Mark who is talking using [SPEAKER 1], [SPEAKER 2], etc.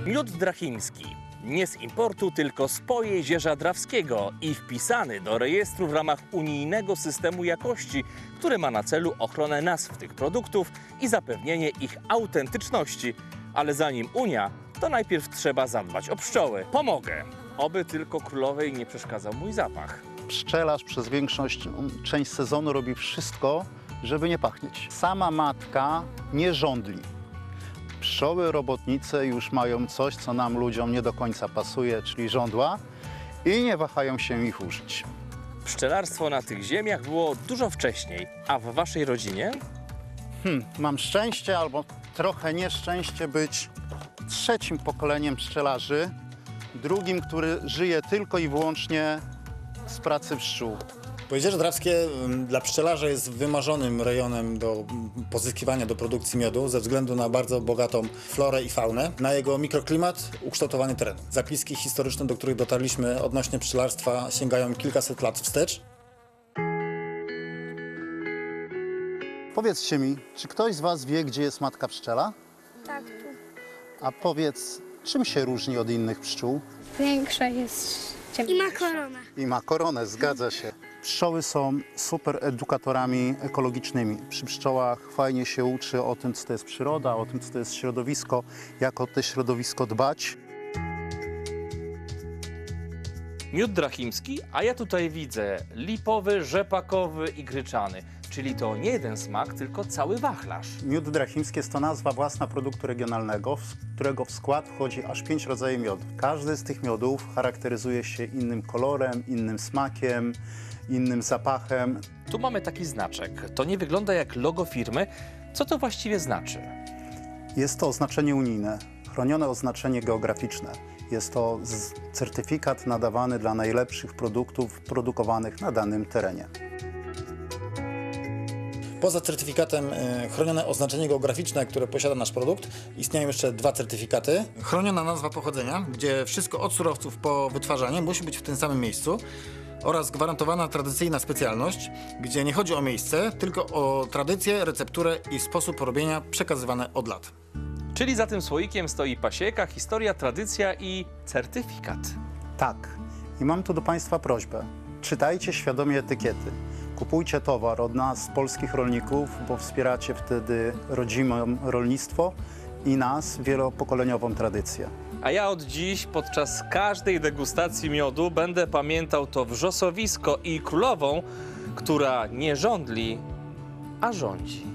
[SPEAKER 1] Miód drachimski. Nie z importu, tylko z Pojezierza Drawskiego i wpisany do rejestru w ramach unijnego systemu jakości, który ma na celu ochronę nazw tych produktów i zapewnienie ich autentyczności. Ale zanim Unia, to najpierw trzeba zadbać o pszczoły. Pomogę, oby tylko królowej nie przeszkadzał mój zapach.
[SPEAKER 2] Pszczelarz przez część sezonu robi wszystko, żeby nie pachnieć. Sama matka nie żądli. Pszczoły robotnice już mają coś, co nam ludziom nie do końca pasuje, czyli żądła i nie wahają się ich użyć.
[SPEAKER 1] Pszczelarstwo na tych ziemiach było dużo wcześniej, a w waszej rodzinie?
[SPEAKER 2] Mam szczęście albo trochę nieszczęście być trzecim pokoleniem pszczelarzy, drugim, który żyje tylko i wyłącznie z pracy pszczół.
[SPEAKER 3] Pojezierze Drawskie dla pszczelarza jest wymarzonym rejonem do pozyskiwania do produkcji miodu ze względu na bardzo bogatą florę i faunę, na jego mikroklimat, ukształtowanie terenu. Zapiski historyczne, do których dotarliśmy odnośnie pszczelarstwa, sięgają kilkaset lat wstecz.
[SPEAKER 2] Powiedzcie mi, czy ktoś z was wie, gdzie jest matka pszczela?
[SPEAKER 4] Tak, tu.
[SPEAKER 2] A powiedz, czym się różni od innych pszczół?
[SPEAKER 4] Większa jest ciemniejsza. I ma koronę.
[SPEAKER 2] I ma koronę, zgadza się. Pszczoły są super edukatorami ekologicznymi. Przy pszczołach fajnie się uczy o tym, co to jest przyroda, o tym, co to jest środowisko, jak o to środowisko dbać.
[SPEAKER 1] Miód drachimski, a ja tutaj widzę lipowy, rzepakowy i gryczany. Czyli to nie jeden smak, tylko cały wachlarz.
[SPEAKER 2] Miód drachimski jest to nazwa własna produktu regionalnego, w którego w skład wchodzi aż 5 rodzajów miodu. Każdy z tych miodów charakteryzuje się innym kolorem, innym smakiem, innym zapachem.
[SPEAKER 1] Tu mamy taki znaczek. To nie wygląda jak logo firmy. Co to właściwie znaczy?
[SPEAKER 2] Jest to oznaczenie unijne, chronione oznaczenie geograficzne. Jest to certyfikat nadawany dla najlepszych produktów produkowanych na danym terenie.
[SPEAKER 3] Poza certyfikatem chronione oznaczenie geograficzne, które posiada nasz produkt, istnieją jeszcze 2 certyfikaty. Chroniona nazwa pochodzenia, gdzie wszystko od surowców po wytwarzanie musi być w tym samym miejscu, oraz gwarantowana tradycyjna specjalność, gdzie nie chodzi o miejsce, tylko o tradycję, recepturę i sposób robienia przekazywane od lat.
[SPEAKER 1] Czyli za tym słoikiem stoi pasieka, historia, tradycja i certyfikat.
[SPEAKER 2] Tak. I mam tu do Państwa prośbę. Czytajcie świadomie etykiety. Kupujcie towar od nas, polskich rolników, bo wspieracie wtedy rodzime rolnictwo i nas, wielopokoleniową tradycję.
[SPEAKER 1] A ja od dziś podczas każdej degustacji miodu będę pamiętał to wrzosowisko i królową, która nie żądli, a rządzi.